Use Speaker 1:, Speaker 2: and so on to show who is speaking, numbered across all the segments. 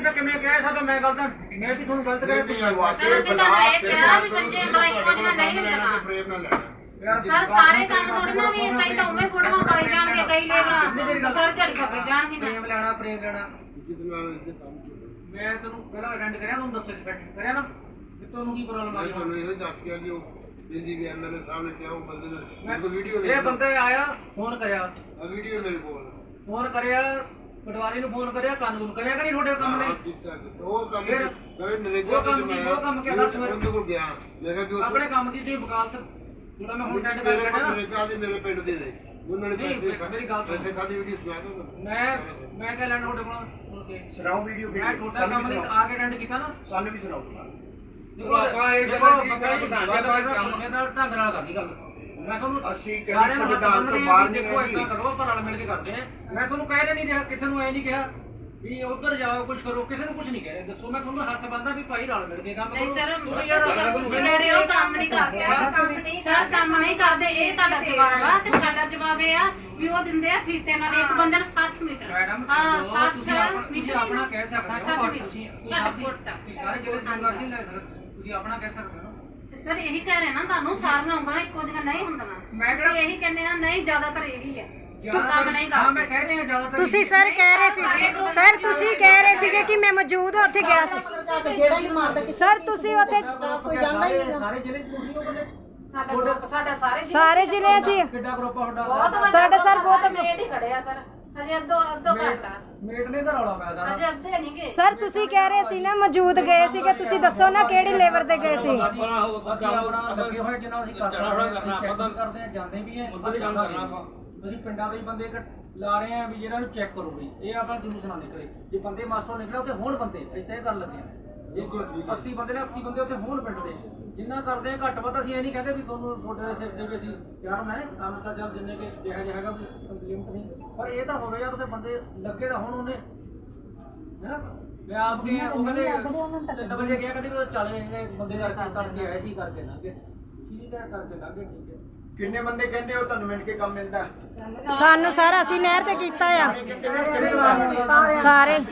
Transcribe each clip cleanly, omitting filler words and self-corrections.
Speaker 1: ਤਾਂ ਕਿਵੇਂ ਕਹਿ ਸਕਦਾ ਮੈਂ ਗਲਤ ਮੈਂ ਵੀ ਤੁਹਾਨੂੰ ਗਲਤ ਕਹਿ ਦਿੱਤਾ
Speaker 2: ਸਰ ਅਸੀਂ ਤਾਂ ਇਹ ਕਿਹਾ ਵੀ ਬੱਚੇ ਇੱਕੋ ਜਿਹਾ ਨਹੀਂ ਹੁੰਦਾ ਸਰ ਸਾਰੇ ਕੰਮ ਥੋੜੀ ਨਾ ਵੀ ਕਈ ਤਾਂ ਉਵੇਂ ਫੋਟੋਆਂ ਪਾਈ ਜਾਣਗੇ ਕਈ ਲੇਬਰ ਸਰ ਝੜੀ ਖੱਪੇ ਜਾਣਗੇ ਨਾ
Speaker 1: ਪ੍ਰੇਮ ਲੈਣਾ ਮੈਂ ਤੈਨੂੰ ਪਹਿਲਾਂ ਅਟੈਂਡ ਕਰਿਆ ਤੁਹਾਨੂੰ ਦੱਸਿਆ ਬੈਠ ਕਰਿਆ ਨਾ ਕਿ ਤੁਹਾਨੂੰ ਕੀ ਪ੍ਰੋਬਲਮ ਆਈ
Speaker 3: ਤੁਹਾਨੂੰ ਇਹ ਦੱਸ ਗਿਆ ਕਿ ਉਹ ਬਿੰਦੀ ਵੀ ਐਮਐਲਏ ਸਾਹਮਣੇ ਕਿਹਾ ਉਹ ਬੰਦੇ ਨੇ ਮੇਰੇ ਕੋਲ ਵੀਡੀਓ
Speaker 1: ਇਹ ਬੰਦਾ ਆਇਆ ਫੋਨ ਕਰਿਆ
Speaker 3: ਆ ਵੀਡੀਓ ਮੇਰੇ ਕੋਲ
Speaker 1: ਫੋਨ ਕਰਿਆ ਪਟਵਾਰੀ ਨੂੰ ਫੋਨ ਕਰਿਆ ਕਾਨੂੰਨ ਕਰਿਆ ਕਿ ਨਹੀਂ ਤੁਹਾਡੇ ਕੰਮ ਨੇ
Speaker 3: ਉਹ ਕੰਮ ਕਰੇ ਨਰੇਗਾ
Speaker 1: ਉਹ ਕੰਮ ਕਿਹਾ ਦੱਸ ਮੇਰੇ
Speaker 3: ਕੋਲ ਗਿਆ ਮੈਂ ਕਿਹਾ ਕਿ
Speaker 1: ਆਪਣੇ ਕੰਮ ਦੀ ਤੁਸੀਂ ਵਕਾਲਤ ਜਿਹੜਾ ਮੈਂ ਹੁਣ ਅਟੈਂਡ ਕਰ ਰਿਹਾ ਨਾ
Speaker 3: ਨਰੇਗਾ ਦੇ ਮੇਰੇ ਪਿੰਡ ਦੇ ਨੇ ਉਹਨਾਂ ਨੇ
Speaker 1: ਮੇਰੀ ਗੱਲ
Speaker 3: ਪੈਸੇ ਖਾਦੀ ਵੀਡੀਓ ਸੁਣਾ ਦੋ
Speaker 1: ਮੈਂ ਕਹਿ ਲੈਣਾ ਤੁਹਾਡੇ ਕੋਲ
Speaker 4: ਸੁਣਾਓ ਵੀਡੀਓ
Speaker 1: ਮੈਂ ਤੁਹਾਡਾ ਕੰਮ ਨਹੀਂ ਆ ਕੇ ਅਟੈਂਡ ਕੀਤਾ ਨਾ
Speaker 4: ਸਾਨੂੰ ਵੀ ਸੁਣਾਓ
Speaker 1: ਦੇਖੋ ਆਪਾਂ ਇਹ ਗੱਲ ਸੀ ਮੇਰੇ ਨਾਲ ਢੰਗ ਨਾਲ ਕਰਨੀ ਗੱਲ ਮੈਂ ਤੁਹਾਨੂੰ
Speaker 4: ਅਸੀਂ ਕਦੇ ਸੰਵਿਧਾਨ ਤੋਂ ਬਾਹਰ ਨਹੀਂ
Speaker 1: ਦੇਖੋ ਇਦਾਂ ਕਰੋ ਆਪਾਂ ਰਲ ਮਿਲ ਕੇ ਕਰਦੇ ਆ ਮੈਂ ਤੁਹਾਨੂੰ ਕਹਿ ਨਹੀਂ ਰਿਹਾ ਕਿਸੇ ਨੂੰ ਐ ਨਹੀਂ ਕਿਹਾ ਵੀ ਉਧਰ ਜਾਓ ਕੁਝ ਕਰੋ ਕਿਸੇ ਨੂੰ ਕੁਝ ਨਹੀਂ ਕਹਿ ਰਿਹਾ ਦੱਸੋ ਮੈਂ ਤੁਹਾਨੂੰ ਹੱਥ ਬੰਦਾ ਵੀ ਭਾਈ ਰਲ ਮਿਲ ਕੇ ਕੰਮ ਕਰੋ
Speaker 2: ਨਹੀਂ ਸਰ ਤੁਸੀਂ ਕਹਿ ਰਹੇ ਹੋ ਕੰਮ ਨਹੀਂ ਕਰਦੇ ਸਰ ਕੰਮ ਨਹੀਂ ਕਰਦੇ ਇਹ ਤੁਹਾਡਾ ਜਵਾਬ ਆ ਤੇ ਸਾਡਾ ਜਵਾਬ ਇਹ ਆ ਵੀ ਉਹ ਦਿੰਦੇ ਆ ਫੀਤੇ ਨਾਲ ਇੱਕ ਬੰਦੇ ਨੂੰ 60 ਮੀਟਰ
Speaker 1: ਮੈਡਮ
Speaker 2: ਹਾਂ 60
Speaker 1: ਤੁਸੀਂ ਆਪਣਾ ਕਹਿ ਸਕਦੇ ਹੋ ਤੁਸੀਂ ਸਾਰੇ ਜਿਹੜੇ ਜ਼ਿੰਮੇਵਾਰ ਨਹੀਂ ਲੈ ਸਕਦੇ ਤੁਸੀਂ ਆਪਣਾ ਕਹਿ ਸਕਦੇ ਹੋ
Speaker 2: ਸਰ ਇਹੀ ਕਹਿ ਰਹੇ ਨਾ ਤੁਹਾਨੂੰ ਸਾਰੀਆਂ ਉਂਗਲਾਂ ਇੱਕੋ ਜਿਹੀਆਂ ਨਹੀਂ ਹੁੰਦੀਆਂ ਅਸੀਂ ਇਹੀ ਕਹਿੰਦੇ ਆ ਨਹੀਂ ਜ਼ਿਆਦਾਤਰ ਇਹੀ ਹੈ ਤੂੰ ਕੰਮ ਨਹੀਂ ਕਰਦਾ
Speaker 1: ਹਾਂ ਮੈਂ ਕਹਿ ਰਿਹਾ ਜ਼ਿਆਦਾਤਰ
Speaker 5: ਤੁਸੀਂ ਸਰ ਕਹਿ ਰਹੇ ਸੀ ਸਰ ਤੁਸੀਂ ਕਹਿ ਰਹੇ ਸੀਗੇ ਕਿ ਮੈਂ ਮੌਜੂਦ ਉੱਥੇ ਗਿਆ ਸੀ ਸਰ ਤੁਸੀਂ ਉੱਥੇ
Speaker 2: ਕੋਈ ਜਾਂਦਾ ਹੀ ਨਹੀਂ
Speaker 1: ਸਾਰੇ ਜ਼ਿਲ੍ਹੇ ਚ ਤੁਸੀਂ ਉਹ ਬੰਦੇ
Speaker 2: ਸਾਡਾ ਗਰੁੱਪ ਸਾਡਾ
Speaker 5: ਸਾਰੇ ਜ਼ਿਲ੍ਹਿਆਂ 'ਚ ਹੀ ਆ।
Speaker 1: ਕਿੱਡਾ ਗਰੁੱਪ ਆ ਤੁਹਾਡਾ
Speaker 2: ਬਹੁਤ ਵੱਡਾ
Speaker 5: ਸਾਡਾ ਸਰ ਬਹੁਤ
Speaker 2: ਮੇਟ ਹੀ ਖੜੇ ਆ ਸਰ ਹਜੇ ਅੱਧੋ ਘੰਟਾ
Speaker 1: ਮੇਟ ਨੇ ਤਾਂ ਰੌਲਾ ਪਾਇਆ ਸਾਰਾ
Speaker 2: ਹਜੇ ਅੱਧੇ ਨਹੀਂ ਗਏ
Speaker 5: ਸਰ ਤੁਸੀਂ ਕਹਿ ਰਹੇ ਸੀ ਨਾ ਮੌਜੂਦ ਗਏ ਸੀਗੇ ਤੁਸੀਂ ਦੱਸੋ ਨਾ ਕਿਹੜੀ ਲੇਬਰ ਤੇ ਗਏ ਸੀ
Speaker 1: ਆਪਣਾ ਲੱਗੇ ਹੋਏ ਜਿੰਨਾ ਅਸੀਂ ਕਰਦੇ ਆ ਜਾਂਦੇ ਵੀ ਆ ਅਸੀਂ ਪਿੰਡਾਂ ਦੇ ਬੰਦੇ ਲਾ ਰਹੇ ਆ ਵੀ ਜਿਹੜਾ ਨੂੰ ਚੈੱਕ ਕਰੋ ਬਈ ਇਹ ਆਪਾਂ ਕਿਹਨੂੰ ਸੁਣਾ ਨਿਕਲੇ ਜੇ ਬੰਦੇ ਮਾਸਟਰ ਨਿਕਲੇ ਉੱਥੇ ਹੋਣ ਬੰਦੇ ਅਸੀਂ ਤਾਂ ਇਹ ਕਰਨ ਲੱਗੇ ਆ 80 ਬੰਦੇ ਨੇ 80 ਬੰਦੇ ਉੱਥੇ ਹੋਣ ਪਿੰਡ ਦੇ ਜਿੰਨਾ ਕਰਦੇ ਆ ਘੱਟ ਵੱਧ ਅਸੀਂ ਇਹ ਨਹੀਂ ਕਹਿੰਦੇ ਵੀ ਤੁਹਾਨੂੰ ਤੁਹਾਡੇ ਸਿਰ ਤੇ ਵੀ ਅਸੀਂ ਚੜ੍ਹਨਾ ਹੈ ਕੰਮ ਤਾਂ ਚੱਲ ਜਿੰਨੇ ਕਿ ਜਿਹੜਾ ਹੈਗਾ ਵੀ ਲਿਮਟ ਨਹੀਂ ਪਰ ਇਹ ਤਾਂ ਹੋਵੇ ਜਾਂ ਉੱਥੇ ਬੰਦੇ ਲੱਗੇ ਤਾਂ ਹੁਣ ਉਹਨੇ ਹੈ ਮੈਂ ਆਪ ਗਿਆ ਉਹ ਕਹਿੰਦੇ 3 ਵਜੇ ਗਿਆ ਕਹਿੰਦੇ ਵੀ ਚੱਲ ਬੰਦੇ ਕਰਕੇ ਆਏ ਸੀ ਕਰਕੇ ਲੰਘੇ ਠੀਕ ਹੈ ਕਰਕੇ ਲੰਘੇ ਠੀਕ ਹੈ
Speaker 4: ਕਿੰਨੇ ਬੰਦੇ ਕਹਿੰਦੇ ਹੋ ਤੁਹਾਨੂੰ ਮਿੰਟ ਕੇ ਕੰਮ ਮਿਲਦਾ
Speaker 5: ਸਾਨੂੰ ਸਾਰਾ ਅਸੀਂ ਨਹਿਰ ਤੇ ਕੀਤਾ ਆ ਸਾਰੇ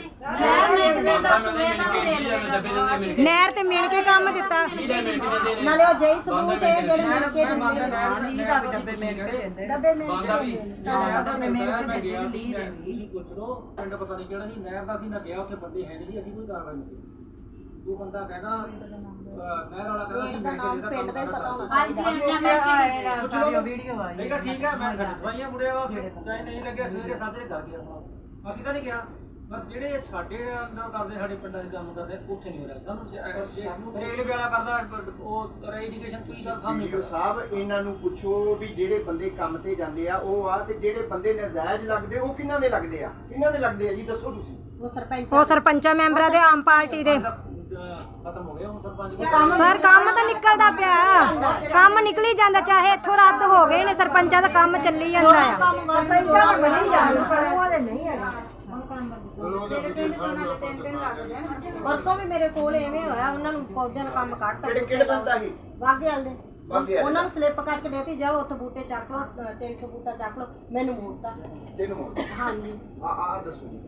Speaker 5: ਨਹਿਰ ਤੇ ਮਿਲ ਕੇ ਕੰਮ ਦਿੱਤਾ
Speaker 6: ਨਾਲੇ ਉਹ ਜਈ ਸਬੂਤ ਹੈ ਜਿਹੜੇ ਮਿਲ ਕੇ ਦਿੰਦੇ ਨੇ
Speaker 1: ਲੀ ਦਾ ਡੱਬੇ ਮਿਲ ਕੇ ਦਿੰਦੇ
Speaker 6: ਡੱਬੇ ਮਿਲ
Speaker 1: ਬੰਦਾ ਵੀ
Speaker 6: ਕੇ
Speaker 1: ਮੈਂ ਗਿਆ ਲੀ ਦੇ ਤੁਸੀਂ ਪੁੱਛ ਲਓ ਪਿੰਡ ਪਤਾ ਨਹੀਂ ਕਿਹੜਾ ਸੀ ਨਹਿਰ ਦਾ ਸੀ ਮੈਂ ਗਿਆ ਉੱਥੇ ਬੰਦੇ ਹੈ ਨਹੀਂ ਸੀ ਅਸੀਂ ਕੋਈ ਕਾਰਵਾਈ ਨਹੀਂ ਕੀਤੀ ਉਹ ਬੰਦਾ ਕਹਿੰਦਾ ਨਹਿਰ ਵਾਲਾ ਕਹਿੰਦਾ ਸੀ
Speaker 6: ਨਾਮ ਪਿੰਡ ਦਾ ਹੀ ਪਤਾ ਹੋਣਾ
Speaker 2: ਹਾਂਜੀ
Speaker 1: ਚਾਹੀਦਾ ਵੀਡੀਓ ਆਈ ਠੀਕ ਹੈ ਮੈਂ ਸੈਟੀਸਫਾਈ ਆ ਮੁੜਿਆ ਚਾਹੇ ਨਹੀਂ ਲੱਗਿਆ ਸਵੇਰੇ ਸਾਜਰੇ ਕਰ ਗਿਆ ਅਸੀਂ ਤਾਂ ਨਹੀਂ ਕਿਹਾ ਪਰ ਜਿਹੜੇ ਸਾਡੇ ਨਾਲ ਕਰਦੇ ਸਾਡੇ ਪਿੰਡਾਂ 'ਚ ਕੰਮ ਕਰਦੇ ਉੱਥੇ ਨਹੀਂ ਹੋ ਰਿਹਾ ਸਾਨੂੰ ਰੇਲ ਵਾਲਾ ਕਰਦਾ ਉਹ ਰੈਡੀਕੇਸ਼ਨ ਕੀ ਕਰ ਸਾਹਮਣੇ
Speaker 4: ਵੀਡੀਓ ਸਾਹਿਬ ਇਹਨਾਂ ਨੂੰ ਪੁੱਛੋ ਵੀ ਜਿਹੜੇ ਬੰਦੇ ਕੰਮ ਤੇ ਜਾਂਦੇ ਆ ਉਹ ਆ ਤੇ ਜਿਹੜੇ ਬੰਦੇ ਨਜਾਇਜ਼ ਲੱਗਦੇ ਉਹ ਕਿਹਨਾਂ ਦੇ ਲੱਗਦੇ ਆ ਜੀ ਦੱਸੋ ਤੁਸੀਂ
Speaker 5: ਉਹ ਸਰਪੰਚਾਂ ਮੈਂਬਰਾਂ ਦੇ ਆਮ ਪਾਰਟੀ ਦੇ
Speaker 1: ਖਤਮ ਹੋ ਗਿਆ ਹੁਣ ਸਰਪੰਚ
Speaker 5: ਸਰ ਕੰਮ ਤਾਂ ਨਿਕਲਦਾ ਪਿਆ ਕੰਮ ਨਿਕਲੀ ਜਾਂਦਾ ਚਾਹੇ ਇੱਥੋਂ ਰੱਦ ਹੋ ਗਏ ਨੇ ਸਰਪੰਚਾਂ ਦਾ ਕੰਮ ਚੱਲੀ ਜਾਂਦਾ ਆ
Speaker 6: ਪਰਸੋਂ ਵੀ ਮੇਰੇ ਕੋਲ ਐਵੇਂ ਹੋਇਆ ਉਹਨਾਂ ਨੂੰ ਫੌਜਾਂ ਨੇ ਕੰਮ ਕੱਢਤਾ
Speaker 4: ਕਿਹੜੇ ਬੰਦਾ ਸੀ
Speaker 6: ਵਾਗੇ ਵਾਲੇ ਉਹਨਾਂ ਨੂੰ ਸਲਿੱਪ ਕਰਕੇ ਦੇਤੀ ਜਾਓ ਉੱਥੇ ਬੂਟੇ ਚੱਕ ਲਓ 300 ਬੂਟਾ ਚੱਕ ਲਓ ਮੈਨੂੰ ਮੋੜਤਾ
Speaker 4: ਤੈਨੂੰ ਮੋੜ
Speaker 6: ਹਾਂਜੀ
Speaker 4: ਆ ਦੱਸੋ ਜੀ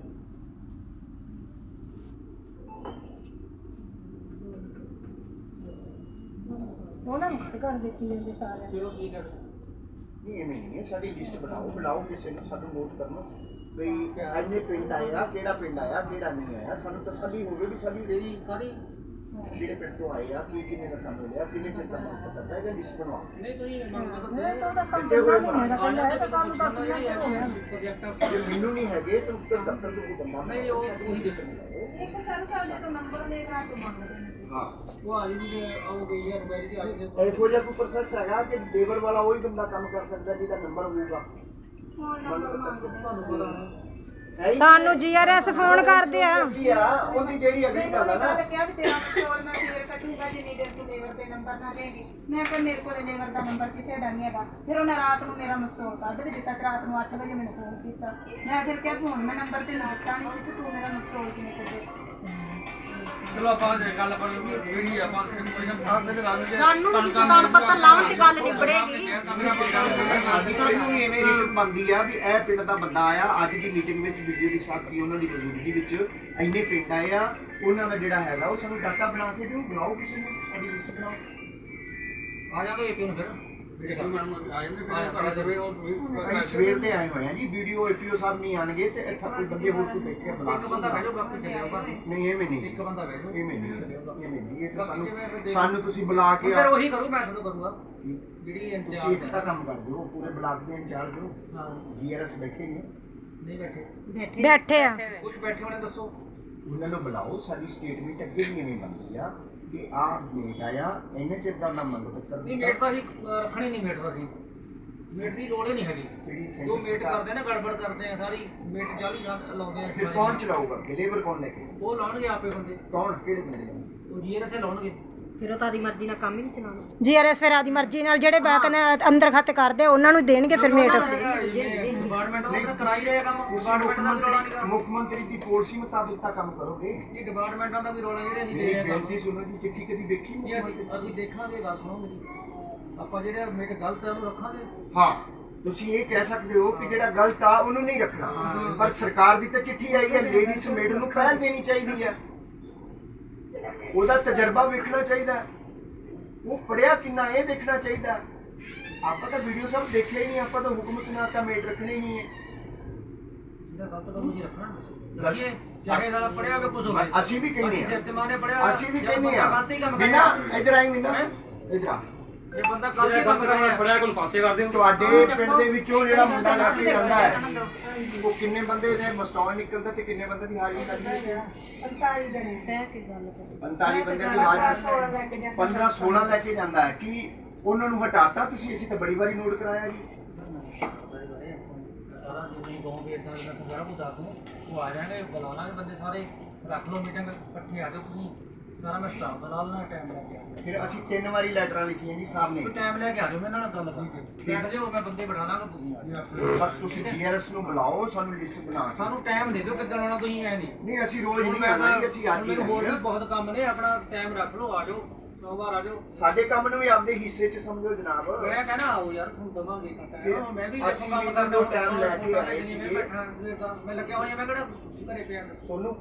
Speaker 6: ਉਹਨਾਂ ਨੂੰ ਕਰ ਦਿੱਤੀ ਜਾਂਦੇ ਸਾਰੇ
Speaker 1: ਚਲੋ ਠੀਕ ਹੈ
Speaker 4: ਨਹੀਂ ਐਵੇਂ ਨਹੀਂ ਸਾਡੀ ਲਿਸਟ ਬਣਾਓ ਕਿਸੇ ਨੂੰ ਸਾਨੂੰ ਨੋਟ ਕਰਨਾ ਬਈ ਇੰਨੇ ਪਿੰਡ ਆਇਆ ਕਿਹੜਾ ਪਿੰਡ ਆਇਆ ਕਿਹੜਾ ਨਹੀਂ ਆਇਆ ਸਾਨੂੰ ਤਸੱਲੀ ਹੋਵੇ ਵੀ ਸਾਡੀ
Speaker 1: ਤੇਰੀ ਕਾਦੀ
Speaker 4: ਜਿਹੜੇ ਪਿੰਡ ਤੋਂ ਆਏ ਆ ਕਿੰਨੇ ਦਾ ਕੰਮ ਮਿਲਿਆ ਕਿੰਨੇ ਚਿਰ ਦਾ ਕੰਮ ਪਤਾ ਹੈ ਲਿਸਟ ਬਣਵਾ
Speaker 1: ਨਹੀਂ ਤੁਸੀਂ
Speaker 4: ਜੇ ਮੈਨੂੰ ਨਹੀਂ ਹੈਗੇ ਤਾਂ ਉੱਤਰ ਦਫ਼ਤਰ ਤੋਂ ਕੋਈ ਬੰਦਾ
Speaker 1: ਨਹੀਂ ਉਹ ਉਹੀ ਦੇਖਣ
Speaker 6: ਇੱਕ ਸਰ ਸਾਡੇ ਤੋਂ ਨੰਬਰ ਲੈ ਕੇ ਤੋਂ ਮੰਗਦੇ ਨੇ
Speaker 4: ਹਾਂ
Speaker 1: ਉਹ ਆ ਜੀ ਆਉ ਗਈ ਹੈ ਮੋਬਾਈਲ ਦੀ ਆ ਜੀ
Speaker 4: ਇਹੋ ਜਿਹਾ ਕੋਈ ਪ੍ਰੋਸੈਸ ਹੈਗਾ ਕਿ ਲੇਬਰ ਵਾਲਾ ਉਹੀ ਬੰਦਾ ਕੰਮ ਕਰ ਸਕਦਾ ਜਿਹਦਾ ਨੰਬਰ ਹੋਊਗਾ
Speaker 1: ਤੁਹਾਨੂੰ ਪਤਾ ਨਹੀਂ
Speaker 5: ਸਾਨੂੰ ਜੀਆਰਐਸ ਫੋਨ ਕਰਦੇ ਆ
Speaker 4: ਉਹਦੀ ਜਿਹੜੀ ਅਗਲੀ ਗੱਲ ਆ ਨਾ
Speaker 6: ਕਿਹਾ ਵੀ ਤੇਰਾ ਸਟੋਰ ਮੈਂ ਫੇਰ ਕੱਟੂਗਾ ਜਿੰਨੀ ਦੇਰ ਤੂੰ ਲੇਬਰ ਦੇ ਨੰਬਰ ਨਾ ਦੇਗੀ ਮੈਂ ਕਿਹਾ ਮੇਰੇ ਕੋਲੇ ਲੇਬਰ ਦਾ ਨੰਬਰ ਕਿਸੇ ਦਾ ਨਹੀਂ ਹੈਗਾ ਫਿਰ ਉਹਨੇ ਰਾਤ ਨੂੰ ਮੇਰਾ ਮਸਟੋਰ ਕੱਢ ਵੀ ਦਿੱਤਾ ਤੇ ਰਾਤ ਨੂੰ 8 ਵਜੇ ਮੈਨੂੰ ਫੋਨ ਕੀਤਾ ਮੈਂ ਫਿਰ ਕਿਹਾ ਹੁਣ ਮੈਂ ਨੰਬਰ ਤੇ ਨੋਟਾ ਨਹੀਂ ਸੀ ਤੇ ਤੂੰ ਮੇਰਾ ਮਸਟੋਰ ਕਿਵੇਂ ਕੱਢੇ
Speaker 3: ਚਲੋ ਆਪਾਂ ਗੱਲ ਆਪਾਂ ਜਿਹੜੀ ਆਪਾਂ ਕੋਈ ਸਾਹਬ ਦੇ ਨਾਲ
Speaker 2: ਸਾਨੂੰ ਵੀ ਕਿਸੇ ਦਾਨ ਪੱਤਰ ਲਾਉਣ ਦੀ ਗੱਲ ਨਿਬੜੇਗੀ।
Speaker 4: ਸਾਡੀ ਪਹਿਲਾਂ ਵੀ ਐਵੇਂ ਰੀਤ ਬਣਦੀ ਆ ਵੀ ਇਹ ਪਿੰਡ ਦਾ ਬੰਦਾ ਆਇਆ, ਅੱਜ ਦੀ ਮੀਟਿੰਗ ਵਿੱਚ ਵੀਡੀਓ ਦੀ ਸਾਥੀ ਉਹਨਾਂ ਦੀ ਮੌਜੂਦਗੀ ਵਿੱਚ ਇੰਨੇ ਪਿੰਡ ਆਏ ਆ, ਉਹਨਾਂ ਦਾ ਜਿਹੜਾ ਹੈਗਾ ਉਹ ਸਾਨੂੰ ਡਾਟਾ ਬਣਾ ਕੇ ਦਿਓ, ਬੁਲਾਓ ਕਿਸੇ ਨੂੰ, ਸਾਡੀ ਲਿਸਟ ਬਣਾਓ।
Speaker 1: ਆ ਜਾਗੇ ਏਪੀ ਨੂੰ ਫਿਰ
Speaker 4: ਅਸੀਂ ਸਵੇਰ ਦੇ ਆਏ ਹੋਏ ਆ ਜੀ, ਵੀਡੀਓ ਏਪੀਓ ਸਾਹਿਬ ਨਹੀਂ ਆਣਗੇ ਤੇ ਇੱਥੇ ਕੋਈ ਬੰਦੇ ਹੋਰ ਕੋਈ ਬੈਠੇ ਆ, ਬੁਲਾ
Speaker 1: ਇੱਕ ਬੰਦਾ ਬਹਿ ਜਾਓ, ਬਾਕੀ ਚੱਲੇ ਜਾਓ ਘਰ ਨੂੰ।
Speaker 4: ਨਹੀਂ ਐਵੇਂ ਨਹੀਂ,
Speaker 1: ਇੱਕ ਬੰਦਾ ਬਹਿ ਜਾਓ।
Speaker 4: ਐਵੇਂ ਨਹੀਂ, ਇਹ ਤਾਂ ਸਾਨੂੰ ਤੁਸੀਂ ਬੁਲਾ ਕੇ
Speaker 1: ਫਿਰ ਉਹੀ ਕਰੂ, ਮੈਂ ਤੁਹਾਨੂੰ ਕਰੂੰਗਾ ਜਿਹੜੀ
Speaker 4: ਤੁਸੀਂ
Speaker 1: ਇੰਤਜ਼ਾਮ
Speaker 4: ਇੱਕ ਤਾਂ ਕੰਮ ਕਰ ਦਿਓ, ਪੂਰੇ ਬਲਾਕ ਦੇ ਇੰਚਾਰਜ ਹੋ,
Speaker 1: ਹਾਂ
Speaker 4: ਜੀਆਰਐਸ ਬੈਠੇ ਨੇ,
Speaker 1: ਨਹੀਂ ਬੈਠੇ
Speaker 5: ਬੈਠੇ ਆ।
Speaker 1: ਕੁਝ ਬੈਠੇ ਹੋਣੇ ਦੱਸੋ।
Speaker 4: ਉਹਨਾਂ ਨੂੰ ਬੁਲਾਓ, ਸਾਡੀ ਸਟੇਟਮੈਂਟ ਅੱਗੇ ਵੀ ਐਵੇਂ ਬਣਦੀ ਆ ਕਿ ਆਹ ਮੇਟ ਆਇਆ, ਇੰਨੇ ਚਿਰ ਦਾ ਨਾ ਮੰਗੋ ਤੱਕ
Speaker 1: ਨਹੀਂ ਮੇਟ ਤਾਂ ਅਸੀਂ ਰੱਖਣੀ ਨਹੀਂ, ਮੇਟ ਤਾਂ ਅਸੀਂ ਮੇਟ ਦੀ ਲੋੜ ਹੀ ਨਹੀਂ ਹੈਗੀ।
Speaker 4: ਜਿਹੜੀ
Speaker 1: ਜੋ ਮੇਟ ਕਰਦੇ ਨੇ ਗੜਬੜ ਕਰਦੇ ਆ ਸਾਰੀ, ਮੇਟ 40 ਲਾਉਂਦੇ ਆ।
Speaker 4: ਫਿਰ ਕੌਣ ਚਲਾਊਗਾ, ਲੇਬਰ ਕੌਣ ਲੈ ਕੇ,
Speaker 1: ਉਹ ਲਾਉਣਗੇ ਆਪੇ ਬੰਦੇ,
Speaker 4: ਕੌਣ ਕਿਹੜੇ ਬੰਦੇ ਲਾਉਣਗੇ?
Speaker 1: ਉਹ ਜੀਆਰਐਸ ਲਾਉਣਗੇ।
Speaker 2: ਫਿਰ ਉਹ ਤਾਂ ਦੀ ਮਰਜ਼ੀ ਨਾਲ ਕੰਮ ਹੀ ਨਹੀਂ ਚਲਾਉਣਾ।
Speaker 5: ਜੀਆਰਐਸ ਫਿਰ ਆਦੀ ਮਰਜ਼ੀ ਨਾਲ ਜਿਹੜੇ ਬਾਕ ਨੇ ਅੰਦਰ ਖੱਤ ਕਰਦੇ ਉਹਨਾਂ ਨੂੰ ਦੇਣਗੇ ਫਿਰ ਮੇਟ।
Speaker 1: ਡਿਪਾਰਟਮੈਂਟ ਦਾ ਕਰਾ ਹੀ ਰਿਹਾ ਕੰਮ, ਡਿਪਾਰਟਮੈਂਟ ਦਾ ਵੀ ਰੌਲਾ ਨਹੀਂ ਕਰਦਾ।
Speaker 4: ਮੁੱਖ ਮੰਤਰੀ ਦੀ ਪਾਲਿਸੀ ਮੁਤਾਬਿਕ ਤਾਂ ਕੰਮ ਕਰੋਗੇ।
Speaker 1: ਇਹ ਡਿਪਾਰਟਮੈਂਟਾਂ ਦਾ ਵੀ ਰੌਲਾ ਜਿਹੜੇ ਅਸੀਂ ਦੇ
Speaker 4: ਮੇਰੀ
Speaker 1: ਰਹੇ ਹਾਂ
Speaker 4: ਬੇਨਤੀ ਸੁਣੋ ਜੀ, ਚਿੱਠੀ ਕਦੀ ਵੇਖੀ
Speaker 1: ਕੰਮ।
Speaker 4: ਮੁੱਖ ਮੰਤਰੀ?
Speaker 1: ਅਸੀਂ ਦੇਖਾਂਗੇ, ਗੱਲ ਸੁਣੋ ਮੇਰੀ। ਆਪਾਂ ਜਿਹੜੇ ਮੇਟ ਗਲਤ ਹੈ ਉਹਨੂੰ ਰੱਖਾਂਗੇ।
Speaker 4: ਹਾਂ, ਤੁਸੀਂ ਇਹ ਕਹਿ ਸਕਦੇ ਹੋ ਕਿ ਜਿਹੜਾ ਗਲਤ ਆ ਉਹਨੂੰ ਨਹੀਂ ਰੱਖਣਾ, ਪਰ ਸਰਕਾਰ ਦੀ ਤਾਂ ਚਿੱਠੀ ਆਈ ਹੈ, ਲੇਡੀਜ਼ ਮੇਡ ਨੂੰ ਪਹਿਲ ਦੇਣੀ ਚਾਹੀਦੀ ਹੈ, ਉਹਦਾ ਤਜਰਬਾ ਵੇਖਣਾ ਚਾਹੀਦਾ, ਉਹ ਪੜਿਆ ਕਿੰਨਾ ਇਹ ਦੇਖਣਾ ਚਾਹੀਦਾ। ਆਪਾਂ ਤਾਂ ਵੀਡੀਓ ਸਭ ਦੇਖਿਆ ਹੀ ਨਹੀਂ, ਆਪਾਂ ਤਾਂ ਹੁਕਮ ਸੁਣਾਤਾ ਮੇਡ ਰੱਖਣੇ ਹੀ ਨਹੀਂ ਹੈ।
Speaker 1: ਜਿਹੜਾ ਗਲਤ ਕੰਮ ਅਸੀਂ ਰੱਖਣਾ ਦੱਸੀਏ, ਸਾਰੇ ਨਾਲ ਪੜਿਆ ਹੋਵੇ ਕੁਝ ਹੋਵੇ।
Speaker 4: ਅਸੀਂ ਵੀ ਕਹਿੰਦੇ
Speaker 1: ਸਿਰ ਤੇ ਮਾਨੇ ਪੜਿਆ,
Speaker 4: ਅਸੀਂ ਵੀ ਕਹਿੰਦੇ ਆ
Speaker 1: ਗਲਤ ਹੀ ਕੰਮ ਕਰ
Speaker 4: ਬਿਨਾ
Speaker 1: ਰਿਹਾ।
Speaker 4: ਇਧਰ ਆਈ ਮਿੰਨਾ, ਇਧਰ ਆ।
Speaker 1: ਜੇ ਬੰਦਾ ਗਲਤ ਹੀ ਕੰਮ ਕਰ ਰਿਹਾ
Speaker 7: ਪੜਿਆ ਕੋਲ ਪਾਸੇ ਕਰਦੇ ਹੋ।
Speaker 4: ਤੁਹਾਡੇ ਪਿੰਡ ਦੇ ਵਿੱਚੋਂ ਜਿਹੜਾ ਮੁੰਡਾ ਲਾ ਕੇ ਜਾਂਦਾ ਹੈ, ਉਹ ਕਿੰਨੇ ਬੰਦੇ ਨੇ ਮਸਟੌਲ ਨਿਕਲਦਾ ਤੇ ਕਿੰਨੇ ਬੰਦੇ ਦੀ ਹਾਜ਼ਰੀ ਲੱਗਦੀ ਹੈ?
Speaker 6: 45 ਜਣੇ
Speaker 2: ਬਹਿ ਕੇ ਗੱਲ ਕਰੋ।
Speaker 4: 45 ਬੰਦੇ ਦੀ ਹਾਜ਼ਰੀ 15-16 ਲੈ ਕੇ ਜਾਂਦਾ ਹੈ। ਕਿ ਉਹਨਾਂ ਨੂੰ ਹਟਾਤਾ ਤੁਸੀਂ? ਅਸੀਂ ਤਾਂ ਬੜੀ ਵਾਰੀ ਨੋਟ ਕਰਾਇਆ ਜੀ।
Speaker 1: ਸਾਰਾ ਜੇ ਨਹੀਂ ਕਹੋਗੇ ਇਦਾਂ ਮੈਂ ਤੁਹਾਨੂੰ ਸਾਰਾ ਕੁਝ ਦੱਸ ਦੂੰ, ਉਹ ਆ ਜਾਣਗੇ, ਬੁਲਾ ਲਾਂਗੇ ਬੰਦੇ ਸਾਰੇ, ਰੱਖ ਲਓ ਮੀਟਿੰਗ, ਇਕੱਠੇ ਆ ਜਾਓ ਤੁਸੀਂ, ਸਾਰਾ ਮੈਂ ਸਟਾਫ ਬੁਲਾ ਲੈਣਾ, ਟਾਈਮ ਲੈ ਕੇ ਆ ਜਾਓ।
Speaker 4: ਫਿਰ ਅਸੀਂ 3 ਵਾਰੀ ਲੈਟਰਾਂ ਲਿਖੀਆਂ ਜੀ ਸਾਹਮਣੇ,
Speaker 1: ਟਾਈਮ ਲੈ ਕੇ ਆ ਜਾਓ, ਮੈਂ ਇਹਨਾਂ ਨਾਲ ਗੱਲ ਕਰਾਂਗੇ। ਬੈਠ ਜਾਓ, ਮੈਂ ਬੰਦੇ ਬਿਠਾ ਲਾਂਗਾ, ਤੁਸੀਂ ਆ ਜਾਓ।
Speaker 4: ਪਰ ਤੁਸੀਂ ਜੀਆਰਐਸ ਨੂੰ ਬੁਲਾਓ, ਸਾਨੂੰ ਲਿਸਟ ਬਣਾ ਕੇ।
Speaker 1: ਸਾਨੂੰ ਟਾਈਮ ਦੇ ਦਿਓ, ਕਿੱਦਣ ਆਉਣਾ ਤੁਸੀਂ ਐ ਨਹੀਂ।
Speaker 4: ਨਹੀਂ ਅਸੀਂ ਰੋਜ਼ ਨਹੀਂ
Speaker 1: ਮੈਂ
Speaker 4: ਆਉਣਾ ਜੀ, ਅਸੀਂ ਅੱਜ ਹੀ
Speaker 1: ਮੈਨੂੰ ਹੋਰ ਵੀ
Speaker 4: ਆਉਣਾ।
Speaker 1: ਬਹੁਤ ਕੰਮ ਨੇ, ਆਪਣਾ ਟਾਈਮ ਰੱਖ ਲਓ, ਆ ਜਾਓ, ਸੋਮਵਾਰ ਆ ਜਾਓ।
Speaker 4: ਸਾਡੇ ਕੰਮ ਨੂੰ ਵੀ ਆਪਦੇ ਹਿੱਸੇ 'ਚ ਸਮਝੋ ਜਨਾਬ।
Speaker 1: ਮੈਂ ਕਹਿੰਦਾ ਆਓ ਯਾਰ, ਤੁਹਾਨੂੰ ਦਵਾਂਗੇ ਟਾਈਮ। ਮੈਂ ਵੀ
Speaker 4: ਅਸੀਂ
Speaker 1: ਕੰਮ
Speaker 4: ਵੀ
Speaker 1: ਕਰਦਾ
Speaker 4: ਉਹ time ਲੈ ਕੇ ਆਏ
Speaker 1: ਮੈਂ
Speaker 4: ਸੀਗੇ।
Speaker 1: ਬੈਠਾ ਸਵੇਰ ਦਾ, ਮੈਂ ਲੱਗਿਆ ਹੋਇਆ, ਮੈਂ ਕਿਹੜਾ ਘਰੇ ਪਿਆ ਦੱਸੋ।
Speaker 4: ਸੋਨੂੰ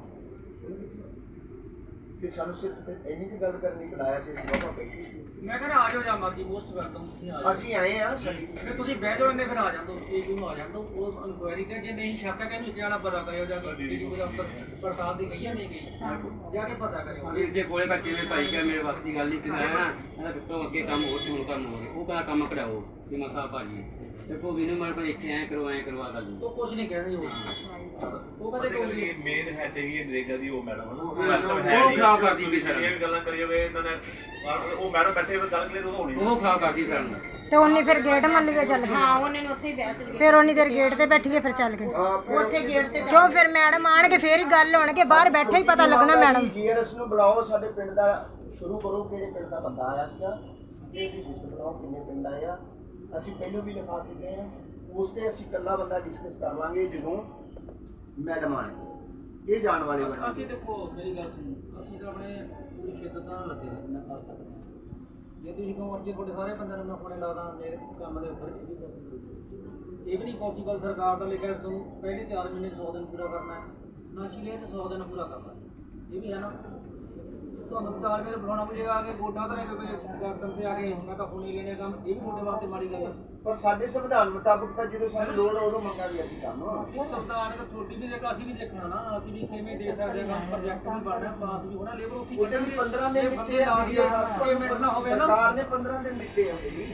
Speaker 4: ਫਿਰ ਸਾਨੂੰ ਸਿਰਫ ਇੰਨੀ ਕੁ ਗੱਲ ਕਰਨੀ ਬੁਲਾਇਆ ਸੀ, ਅਸੀਂ ਬਾਬਾ ਬੈਠੀ ਸੀ।
Speaker 1: ਮੈਂ ਕਹਿੰਦਾ ਆ ਜਾਓ, ਜਾਂ ਮਰਜ਼ੀ ਪੋਸਟ ਕਰ ਦਊਂ, ਤੁਸੀਂ ਆ ਜਾਓ।
Speaker 4: ਅਸੀਂ ਆਏ ਆ ਸਾਡੀ
Speaker 1: ਫਿਰ ਤੁਸੀਂ ਬਹਿ ਜਾਓ, ਇੰਨੇ ਫਿਰ ਆ ਜਾਂਦੋ, ਏਜੂ ਨੂੰ ਆ ਜਾਂਦੋ, ਉਹ ਇਨਕੁਆਇਰੀ ਤੇ ਜੇ ਨਹੀਂ ਸ਼ੱਕ ਹੈ ਕਿ ਇਹਨੂੰ ਜਾਣਾ ਪਤਾ ਕਰਿਓ, ਜਾ ਕੇ ਏਜੂ ਦੇ ਅਫਸਰ ਪੜਤਾਲ ਦੀ ਗਈ ਹੈ ਨਹੀਂ ਗਈ, ਜਾ ਕੇ ਪਤਾ ਕਰਿਓ।
Speaker 7: ਜੇ ਕੋਲੇ ਕੱਚੇ ਦੇ ਭਾਈ ਕਿਹਾ ਮੇਰੇ ਵਾਸਤੇ ਦੀ ਗੱਲ ਨਹੀਂ ਕਿਹਾ ਨਾ, ਇਹਦਾ ਕਿਤੋਂ ਅੱਗੇ ਕੰਮ ਹੋਰ ਸੀ, ਹੁਣ ਕੰਮ ਹੋ ਗਿਆ, ਉਹ ਕਹਿੰਦਾ ਕੰਮ ਕਢਾਓ ਕਿ ਮਸਾ ਭਾਜੀ ਦੇਖੋ ਵੀ ਨੂੰ ਮਰ ਇੱਥੇ ਐ ਕਰਵਾ ਗੱਲ
Speaker 1: ਉਹ ਕੁਝ ਨਹੀਂ ਕਹਿੰਦੇ, ਉਹ ਕਦੇ ਕੋਈ
Speaker 8: ਮੇਨ ਹੈਡ ਹੈਗੀ ਹੈ ਨਰੇਗਾ ਦੀ, ਉਹ ਮੈਡਮ ਹੈ ਨਾ,
Speaker 7: ਉਹ ਖਰਾਬ ਕਰਦੀ ਪਈ ਸਰ,
Speaker 8: ਇਹ ਵੀ ਗੱਲਾਂ ਕਰੀ ਜਾਵੇ ਇਹਨਾਂ ਨੇ, ਉਹ ਮੈਡਮ ਬੈਠੇ ਹੋਏ ਗੱਲ ਕਲੀਅਰ ਹੋਣੀ।
Speaker 7: ਉਹ ਖਰਾਬ ਕਰਦੀ ਸਰ ਨੂੰ।
Speaker 5: ਤੇ ਉਹਨੇ ਫਿਰ ਗੇਟ ਮੰਨ ਕੇ ਚੱਲ ਗਏ।
Speaker 2: ਹਾਂ, ਉਹਨੇ ਨੂੰ ਉੱਥੇ ਹੀ ਬਹਿ ਚਲੀ
Speaker 5: ਫਿਰ ਉਹਨੀ ਦੇਰ ਗੇਟ ਤੇ ਬੈਠੀਏ, ਫਿਰ ਚੱਲ ਗਏ।
Speaker 2: ਉੱਥੇ ਗੇਟ ਤੇ
Speaker 5: ਕਿਉਂ ਫਿਰ ਮੈਡਮ ਆਣਗੇ, ਫੇਰ ਹੀ ਗੱਲ ਹੋਣਗੇ, ਬਾਹਰ ਬੈਠੇ ਹੀ ਪਤਾ ਲੱਗਣਾ ਮੈਡਮ।
Speaker 4: ਜੀਆਰਐਸ ਨੂੰ ਬੁਲਾਓ, ਸਾਡੇ ਪਿੰਡ ਦਾ ਸ਼ੁਰੂ ਕਰੋ, ਕਿਹੜੇ ਪਿੰਡ ਦਾ ਬੰਦਾ ਆਇਆ ਸੀਗਾ, ਇਹ ਵੀ ਲਿਸਟ ਬਣਾਓ, ਕਿੰਨੇ ਪਿੰਡ ਆਏ ਆ। ਅਸੀਂ ਪਹਿਲਾਂ ਵੀ ਲਿਖਾ ਚੁੱਕੇ ਹਾਂ, ਉਸ ਤੇ ਅਸੀਂ ਇਕੱਲਾ ਬੰਦਾ ਡਿਸਕਸ ਕਰ ਲਾਂਗੇ ਜਦੋਂ ਮੈਡਮ ਆਣਗੇ, ਇਹ ਜਾਣ ਵਾਲੇ ਬੰਦੇ।
Speaker 1: ਅਸੀਂ ਦੇਖੋ ਮੇਰੀ ਗੱਲ ਸੁਣੋ, ਅਸੀਂ ਤਾਂ ਆਪਣੇ ਪੂਰੀ ਸ਼ਿੱਦਤ ਨਾਲ ਲੱਗੇ ਹੋਏ ਜਿੰਨਾ ਕਰ ਸਕਦੇ ਹਾਂ। ਜੇ ਤੁਸੀਂ ਕਹੋ ਅੱਗੇ ਤੁਹਾਡੇ ਸਾਰੇ ਬੰਦਿਆਂ ਨੂੰ ਮੈਂ ਫੋਨੇ ਲਾ ਦਾਂ ਮੇਰੇ ਕੰਮ ਦੇ ਉੱਪਰ, ਇਹ ਵੀ ਨਹੀਂ ਪੋਸੀਬਲ। ਸਰਕਾਰ ਦਾ ਲਿਖਿਆ ਤੁਹਾਨੂੰ ਪਹਿਲੇ 4 ਮਹੀਨੇ 'ਚ 100 ਦਿਨ ਪੂਰਾ ਕਰਨਾ ਹੈ, ਨਸ਼ੀਲੇ 'ਚ 100 ਦਿਨ ਪੂਰਾ ਕਰਨਾ, ਇਹ ਵੀ ਹੈ ਨਾ। ਤੁਹਾਨੂੰ 4 ਮਹੀਨੇ ਬੁਲਾਉਣਾ ਪਏਗਾ, ਆ ਕੇ ਗੋਡਾ ਧਰੇ ਗਰਦਨ ਤੇ ਆ ਕੇ ਮੈਂ ਤਾਂ ਹੁਣੇ ਲੈਣੇ ਕੰਮ, ਇਹ ਵੀ ਤੁਹਾਡੇ ਵਾਸਤੇ ਮਾੜੀ ਗੱਲ ਹੈ।
Speaker 4: ਪਰ ਸਾਡੇ ਸੰਵਿਧਾਨ ਮੁਤਾਬਕ ਤਾਂ ਜਦੋਂ ਸਾਨੂੰ ਲੋੜ ਉਦੋਂ ਮੰਗਾਂਗੇ ਅਸੀਂ ਕੰਮ।
Speaker 1: ਉਹ ਸੰਵਿਧਾਨ ਤਾਂ ਛੋਟੀ ਵੀ ਦੇਖਾ, ਅਸੀਂ ਵੀ ਦੇਖਣਾ ਨਾ, ਅਸੀਂ ਵੀ ਕਿਵੇਂ ਦੇ ਸਕਦੇ ਹਾਂ, ਪ੍ਰੋਜੈਕਟ ਵੀ ਬਣਨਾ, ਪਾਸ ਵੀ ਹੋਣਾ, ਲੇਬਰ ਉੱਥੇ
Speaker 4: ਉਹਦੇ ਵੀ 15 ਦਿਨ
Speaker 1: ਬੰਦੇ ਲਾ ਕੇ ਪੇਮੈਂਟ ਨਾ ਹੋਵੇ ਨਾ।
Speaker 4: ਸਰਕਾਰ ਨੇ 15 ਦਿਨ ਦਿੱਤੇ ਆ ਜੀ।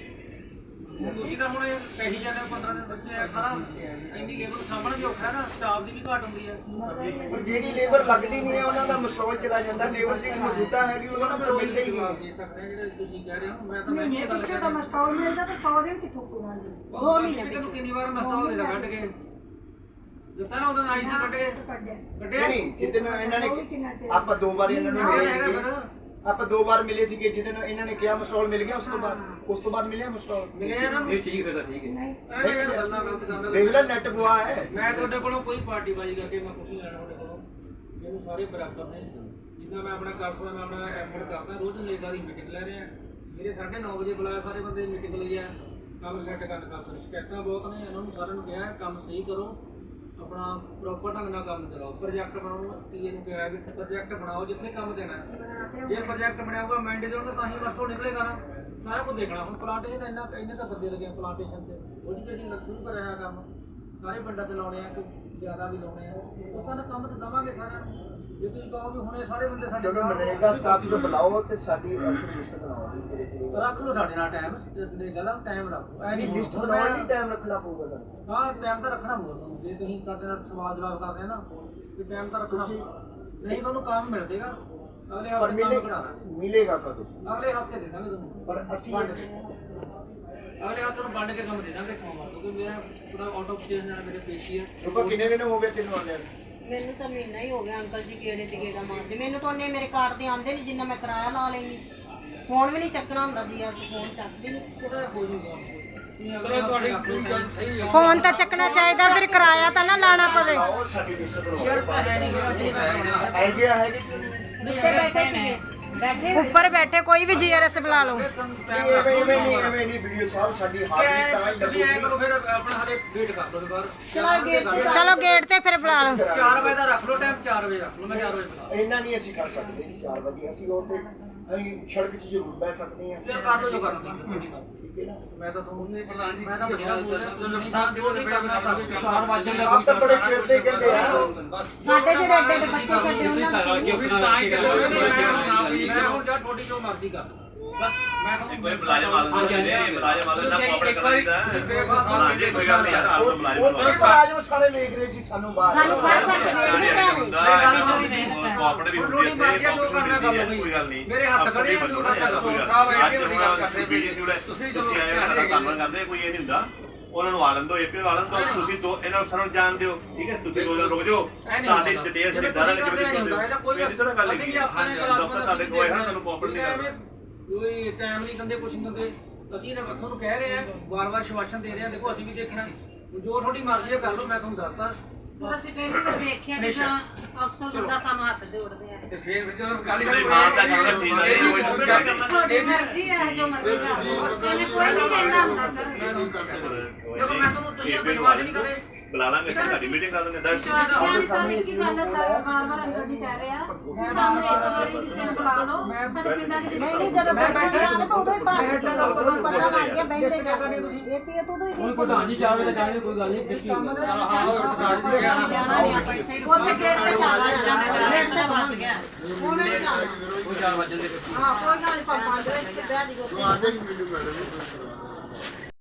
Speaker 1: ਤੁਸੀਂ ਤਾਂ ਹੁਣ ਕਹੀ ਜਾਂਦੇ 15 ਦਿਨ ਬੱਚੇ ਆ, ਸਾਰਾ ਇੰਨੀ ਲੇਬਰ ਸਾਂਭਣਾ ਵੀ ਔਖਾ ਹੈ ਨਾ, ਸਟਾਫ ਦੀ ਵੀ ਘਾਟ ਹੁੰਦੀ ਹੈ।
Speaker 4: ਪਰ ਜਿਹੜੀ ਲੇਬਰ ਲੱਗਦੀ ਨਹੀਂ ਹੈ ਉਹਨਾਂ ਦਾ ਮਸਟੋਲ ਚਲਾ ਜਾਂਦਾ, ਲੇਬਰ ਜਿਹੜੀ ਮੌਜੂਦਾ ਹੈਗੀ ਉਹਨਾਂ ਨੂੰ ਤਾਂ ਮਿਲਦਾ ਹੀ
Speaker 1: ਜਵਾਬ
Speaker 4: ਨਹੀਂ।
Speaker 1: ਦੇ ਸਕਦੇ ਆ ਜਿਹੜੇ ਤੁਸੀਂ ਕਹਿ ਰਹੇ ਹੋ, ਮੈਂ ਤਾਂ ਇਹ ਗੱਲ
Speaker 6: ਪਿੱਛੇ ਤਾਂ ਮਸਟੋਲ ਮਿਲਦਾ ਤਾਂ 100 ਦਿਨ ਕਿੱਥੋਂ ਪੂਰਾ ਜੀ।
Speaker 1: 2 ਮਹੀਨੇ ਤੈਨੂੰ ਕਿੰਨੀ ਵਾਰ ਮਸਟਾਲ ਦੇ ਕੱਢ ਕੇ ਦਿੱਤਾ ਨਾ, ਉਹਦਾ ਆਈ ਸੀ ਕੱਢ ਕੇ ਕੱਢਿਆ
Speaker 4: ਨਹੀਂ, ਜਿੱਦਣ ਇਹਨਾਂ ਨੇ ਆਪਾਂ 2 ਵਾਰ ਇਹਨਾਂ ਨੂੰ ਮਿਲੇ ਸੀਗੇ, ਆਪਾਂ 2 ਵਾਰ ਮਿਲੇ ਸੀਗੇ, ਜਿੱਦਣ ਇਹਨਾਂ ਨੇ ਕਿਹਾ ਮਸਟੋਲ ਮਿਲ ਗਿਆ, ਉਸ ਤੋਂ ਬਾਅਦ ਮਿਲਿਆ ਮਸਟੋਲ।
Speaker 1: ਮਿਲਿਆ ਨਾ
Speaker 7: ਇਹ ਠੀਕ ਹੈ ਤਾਂ ਠੀਕ ਹੈ।
Speaker 1: ਐਵੇਂ ਯਾਰ ਗੱਲਾਂ ਗਲਤ ਕਰਨ
Speaker 4: ਦੇਖ ਲੈ ਨੈਟ ਗਵਾ ਹੈ।
Speaker 1: ਮੈਂ ਤੁਹਾਡੇ ਕੋਲੋਂ ਕੋਈ ਪਾਰਟੀ ਬਾਜੀ ਕਰਕੇ ਮੈਂ ਕੁਝ ਨਹੀਂ ਲੈਣਾ ਤੁਹਾਡੇ ਕੋਲੋਂ, ਮੈਨੂੰ ਸਾਰੇ ਬਰਾਬਰ ਨੇ। ਜਿੱਦਾਂ ਮੈਂ ਆਪਣਾ ਕਰ ਸਕਦਾ ਮੈਂ ਆਪਣਾ ਐਫਰਟ ਕਰਦਾ ਰੋਜ਼ ਨਰੇਗਾ ਦੀ ਮੀਟਿੰਗ ਲੈ ਰਹੇ ਆ ਸਵੇਰੇ 9:30 ਵਜੇ ਬੁਲਾਇਆ ਸਾਰੇ ਬੰਦੇ ਮੀਟਿੰਗ ਲਈ ਆ ਕੰਮ ਸੈੱਟ ਕਰਨ ਕਰ ਸ਼ਿਕਾਇਤਾਂ ਬਹੁਤ ਨੇ ਇਹਨਾਂ ਨੂੰ ਸਾਰਿਆਂ ਨੂੰ ਕਿਹਾ ਕੰਮ ਸਹੀ ਕਰੋ ਆਪਣਾ ਪ੍ਰੋਪਰ ਢੰਗ ਨਾਲ ਕੰਮ ਚਲਾਓ ਪ੍ਰੋਜੈਕਟ ਬਣਾਓ ਪੀਏ ਨੂੰ ਕਿਹਾ ਵੀ ਪ੍ਰੋਜੈਕਟ ਬਣਾਓ ਜਿੱਥੇ ਕੰਮ ਦੇਣਾ ਜੇ ਪ੍ਰੋਜੈਕਟ ਬਣਿਆ ਹੋਊਗਾ ਮੈਂਡੇਟ ਹੋਣਗੇ ਤਾਂ ਹੀ ਮਾਸਟਰ ਨਿਕਲੇਗਾ ਨਾ ਸਾਰਾ ਕੁਝ ਦੇਖਣਾ ਹੁਣ ਪਲਾਂਟੇਸ਼ਨ ਇੰਨੇ ਤਾਂ ਬੰਦੇ ਲੱਗੇ ਪਲਾਂਟੇਸ਼ਨ 'ਚ ਉਹਦੀ ਵੀ ਅਸੀਂ ਸ਼ੁਰੂ ਕਰਿਆ ਹੋਇਆ ਕੰਮ ਸਾਰੇ ਪਿੰਡਾਂ 'ਤੇ ਲਾਉਣੇ ਆ ਕੋਈ ਜ਼ਿਆਦਾ ਵੀ ਲਾਉਣੇ ਆ ਉਹ ਸਾਨੂੰ ਕੰਮ ਤਾਂ ਦੇਵਾਂਗੇ ਸਾਰਿਆਂ ਨੂੰ ਜੇ ਤੁਸੀਂ ਕਹੋ ਵੀ ਹੁਣੇ ਸਾਰੇ ਬੰਦੇ ਸਾਡੇ
Speaker 4: ਚਲੋ ਨਰੇਗਾ ਸਟਾਫ ਜੋ ਬੁਲਾਓ ਤੇ ਸਾਡੀ ਲਿਸਟ ਬਣਾਓ
Speaker 1: ਰੱਖ ਲਓ ਸਾਡੇ ਨਾਲ ਟਾਈਮ ਨਰੇਗਾ ਦਾ ਟਾਈਮ ਰੱਖੋ ਐ ਨਹੀਂ
Speaker 4: ਲਿਸਟ ਬਣਾਉਣ ਲਈ ਟਾਈਮ ਰੱਖਣਾ ਪਊਗਾ ਸਾਨੂੰ
Speaker 1: ਹਾਂ ਟਾਈਮ ਤਾਂ ਰੱਖਣਾ ਪਊਗਾ ਤੁਹਾਨੂੰ ਜੇ ਤੁਸੀਂ ਸਾਡੇ ਨਾਲ ਸਵਾਲ ਜਵਾਬ ਕਰਦੇ ਆ ਨਾ ਤੇ ਟਾਈਮ ਤਾਂ ਰੱਖਣਾ ਨਹੀਂ ਤੁਹਾਨੂੰ ਕੰਮ ਮਿਲ ਜਾਏਗਾ ਅਗਲੇ
Speaker 4: ਪਰ
Speaker 1: ਹਫ਼ਤੇ ਕੰਮ ਕਰਾਣਾ
Speaker 4: ਮਿਲੇਗਾ ਕਦੋਂ
Speaker 1: ਅਗਲੇ ਹਫ਼ਤੇ ਦੇ ਦਾਂਗੇ ਤੁਹਾਨੂੰ
Speaker 4: ਪਰ ਅਸੀਂ
Speaker 1: ਅਗਲੇ ਹਫ਼ਤੇ ਨੂੰ ਵੰਡ ਕੇ ਕੰਮ ਦੇ ਦਾਂਗੇ ਸੋਮਵਾਰ ਕਿਉਂਕਿ ਮੇਰਾ ਪੂਰਾ ਆਊਟ ਆਫ ਸਟੇਸ਼ਨ ਨਾਲ ਮੇਰੇ ਪੇਸ਼ੀ ਹੈ
Speaker 4: ਰੁਪਾ ਕਿੰਨੇ ਦਿਨ ਹੋ ਗਏ ਤੈਨੂੰ ਆਉਂਦੇ
Speaker 2: ਮੈਨੂੰ ਤਾਂ ਮਹੀਨਾ ਹੀ ਹੋ ਗਿਆ ਅੰਕਲ ਜੀ ਗੇੜੇ ਤੇ ਗੇੜਾ ਮਾਰਦੇ ਮੈਨੂੰ ਤਾਂ ਉਹਨੇ ਮੇਰੇ ਕਾਰਡ ਤੇ ਆਉਂਦੇ ਨਹੀਂ ਜਿੰਨਾ ਮੈਂ ਕਿਰਾਇਆ ਲਾ ਲੈਣੀ ਫੋਨ ਵੀ ਨਹੀਂ ਚੱਕਣਾ ਹੁੰਦਾ ਜੀ ਅੱਜ ਫੋਨ ਚੱਕਦੇ ਨਹੀਂ
Speaker 1: ਥੋੜਾ ਹੋ ਜੂਗਾ ਤੁਸੀਂ ਅਗਲੇ ਤੁਹਾਡੀ ਪੂਰੀ ਗੱਲ ਸਹੀ ਹੈ
Speaker 5: ਫੋਨ ਤਾਂ ਚੱਕਣਾ ਚਾਹੀਦਾ ਫਿਰ ਕਿਰਾਇਆ ਤਾਂ ਨਾ ਲਾਣਾ ਪਵੇ
Speaker 4: ਆਓ ਸਾਡੀ ਲਿਸਟ ਬਣਾਓ
Speaker 1: ਯਾਰ ਤਾਂ ਹੈ ਨਹੀਂ ਜਿਹੜਾ ਤੁਸੀਂ ਮੈਂ
Speaker 4: ਆਈਡੀਆ ਹੈ ਕਿ
Speaker 2: ਉੱਤੇ ਬੈਠੇ ਸੀਗੇ ਬੈਠੇ ਹੋਏ
Speaker 5: ਉੱਪਰ ਬੈਠੇ ਕੋਈ ਵੀ ਜੀਆਰਐਸ ਬੁਲਾ ਲਓ
Speaker 4: ਐਵੇਂ ਨਹੀਂ ਵੀਡੀਓ ਸਾਹਿਬ ਸਾਡੀ ਹਾਜ਼ਰੀ ਤਾਂ ਹੀ
Speaker 1: ਤੁਸੀਂ ਐ
Speaker 4: ਲੱਗੂਗੀ
Speaker 1: ਕਰੋ ਫਿਰ ਆਪਣਾ ਹਲੇ ਵੇਟ ਕਰ ਲਓ ਦੁਬਾਰਾ
Speaker 2: ਚਲੋ ਗੇਟ ਤੇ
Speaker 5: ਚਲੋ ਗੇਟ ਤੇ ਫਿਰ ਬੁਲਾ ਲਓ
Speaker 1: 4 ਵਜੇ ਦਾ ਰੱਖ ਲਓ ਟਾਈਮ 4 ਵਜੇ ਰੱਖ ਲਓ ਮੈਂ 4 ਵਜੇ ਬੁਲਾ
Speaker 4: ਇੰਨਾ ਨਹੀਂ ਅਸੀਂ ਕਰ ਸਕਦੇ ਜੀ 4 ਵਜੇ ਅਸੀਂ ਉਹ ਤੇ ਅਸੀਂ ਸੜਕ 'ਚ ਜ਼ਰੂਰ ਬਹਿ ਸਕਦੇ ਹਾਂ
Speaker 1: ਫਿਰ ਕਰ ਲਓ ਜੋ ਕਰਨਾ
Speaker 4: ਠੀਕ ਹੈ ਨਾ
Speaker 1: ਮੈਂ ਤਾਂ ਤੁਹਾਨੂੰ ਨਹੀਂ ਪ੍ਰਧਾਨ ਜੀ ਮੈਂ ਤਾਂ ਬਥੇਰਾ ਬੋਲਦਾ ਨੁਕਸਾਨ ਜੋ ਨਹੀਂ ਕਰਨਾ ਤਾਂ 4 ਵਜੇ
Speaker 4: ਸਾਹਿਬ ਤਾਂ ਬੜੇ ਚਿਰ ਦੇ ਕਹਿੰਦੇ ਆ
Speaker 2: ਸਾਡੇ ਜਿਹੜੇ ਐਡੇ ਐਡੇ ਬੱਚੇ ਛੱਡੇ ਉਹਨਾਂ ਨੂੰ
Speaker 1: ਮੈਂ ਹੁਣ ਜਾਂ ਤੁਹਾਡੀ ਜੋ ਮਰਜ਼ੀ ਕਰ ਬਸ ਮੈਂ ਤੁਹਾਨੂੰ
Speaker 8: ਕੋਈ ਮੁਲਾਜ਼ਮ ਆਲਮ ਨੇ ਮੁਲਾਜ਼ਮ ਆਲਮ ਦਾ ਕੋਆਪਰੇਟ ਕਰਦਾ ਹਾਂ ਜੀ ਕੋਈ ਗੱਲ ਨਹੀਂ ਯਾਰ ਆਲਮ
Speaker 4: ਉਹ
Speaker 8: ਮੁਲਾਜ਼ਮ
Speaker 4: ਮੁਲਾਜ਼ਮ ਸਾਰੇ ਵੇਖ ਰਹੇ ਸੀ ਸਾਨੂੰ ਬਾਹਰ
Speaker 2: ਸਾਨੂੰ ਫੜ ਫੜ ਕੇ ਵੇਖਦੇ ਪਏ
Speaker 8: ਕੋਆਪਰੇਟ ਵੀ ਹੁੰਦੀ ਹੈ ਕੋਈ ਗੱਲ ਨਹੀਂ
Speaker 1: ਮੇਰੇ ਹੱਥ ਖੜੇ ਆ ਜੋ
Speaker 8: ਸਾਹਿਬ ਇਹ ਵੀ ਗੱਲ ਕਰਦੇ ਤੁਸੀਂ ਆਏ ਹੋ ਕੰਮ ਕਰਦੇ ਕੋਈ ਇਹ ਨਹੀਂ ਹੁੰਦਾ ਉਹਨਾਂ ਨੂੰ ਆਲਮ ਦੋ ਏਪੀਓ ਆਲਮ ਦੋ ਤੁਸੀਂ ਦੋ ਇਹਨਾਂ ਨੂੰ ਜਾਣ ਦਿਓ ਠੀਕ ਹੈ ਤੁਸੀਂ 2 ਦਿਨ ਰੁਕ ਜਾਓ ਤੁਹਾਡੀ ਡਿਟੇਲ ਸਾਡੀ ਦਾਰਾ ਵਿੱਚ ਕੋਈ ਥੋੜਾ ਗੱਲ ਨਹੀਂ ਦਫ਼ਤਰ ਤੁਹਾਡੇ ਕੋਲ ਹੈ ਨਾ ਤੁਹਾਨੂੰ ਕੋਆਪਰੇਟ ਨਹੀਂ ਕਰਨਾ
Speaker 1: ਕੋਈ ਟਾਈਮ ਨਹੀਂ ਦਿੰਦੇ ਕੁਛ ਨਹੀਂ ਦਿੰਦੇ ਅਸੀਂ ਤਾਂ ਤੁਹਾਨੂੰ ਕਹਿ ਰਹੇ ਆ ਵਾਰ-ਵਾਰ ਸ਼ਵਾਸ਼ਨ ਦੇ ਰਹੇ ਆ ਦੇਖੋ ਅਸੀਂ ਵੀ ਦੇਖਣਾ ਜੋ ਤੁਹਾਡੀ ਮਰਜ਼ੀ ਹੈ ਕਰ ਲਓ ਮੈਂ ਤੁਹਾਨੂੰ ਦੱਸਦਾ
Speaker 2: ਸਰ ਅਸੀਂ ਪਹਿਲੀ ਵਾਰ ਦੇਖਿਆ ਕਿ ਅਫਸਰ ਬੰਦਾ ਸਾਨੂੰ ਹੱਥ ਜੋੜਦੇ ਆ
Speaker 1: ਤੇ ਫਿਰ ਜਦੋਂ ਕੱਲ
Speaker 8: ਨਹੀਂ ਮਾਨ ਤਾਂ ਕਰਦਾ ਸੀ ਨਾ ਕੋਈ ਸੁਣਦਾ ਨਹੀਂ
Speaker 2: ਤੁਹਾਡੀ ਮਰਜ਼ੀ ਹੈ ਜੋ ਮਰਜ਼ੀ ਕਰ ਲਓ ਇਹਨੇ ਕੋਈ ਨਹੀਂ ਕਹਿਣਾ ਹੁੰਦਾ ਸਰ
Speaker 1: ਜਦੋਂ ਮੈਂ ਤੁਹਾਨੂੰ ਤੁਸੀਂ ਆਪਣੀ ਆਵਾਜ਼ ਨਹੀਂ ਕਰੇ
Speaker 8: ਬੁਲਾ ਲਾਂਗੇ ਸਾਡੀ ਮੀਟਿੰਗ ਕਰ ਲਾਂਗੇ
Speaker 2: ਵਿਸ਼ਵਾਸ ਨਹੀਂ ਸਰ ਕੀ ਗੱਲ ਹੈ ਸਰ ਵਾਰ-ਵਾਰ ਅੰਕਲ ਜੀ ਕਹਿ ਰਹੇ ਆ ਕਿ ਸਾਨੂੰ ਇੱਕ ਵਾਰੀ ਕਿਸੇ ਨੂੰ ਬੁਲਾ ਲਓ ਸਾਡੇ ਪਿੰਡਾਂ ਦੀ
Speaker 6: ਨਹੀਂ ਜਦੋਂ ਬੈਠੇ ਆਣ ਤਾਂ ਉਦੋਂ ਹੀ ਪਤਾ ਲੱਗ ਗਿਆ ਬੈਠੇ ਜਾ ਕੇ ਇਹ ਤੇ ਤੂੰ ਹੀ
Speaker 1: ਪ੍ਰਧਾਨ ਜੀ 4 ਵਜੇ ਜਾਣੇ ਕੋਈ ਗੱਲ ਨਹੀਂ
Speaker 6: ਉੱਥੇ ਗੇਟ ਤੇ ਚੱਲ ਜਾਣਾ ਗੇਟ ਤੇ ਬੰਦ ਗਿਆ ਉਹਨੇ ਨਹੀਂ ਜਾਣਾ
Speaker 1: ਕੋਈ 4 ਵਜੇ ਦੇ
Speaker 6: ਹਾਂ ਕੋਈ ਗੱਲ ਨਹੀਂ ਪਾਪਾ ਦੇ ਇੱਥੇ ਬਹਿ ਜੀ
Speaker 3: ਆ ਜਾਏਗੀ ਵੀਡੀਓ ਮੈਡਮ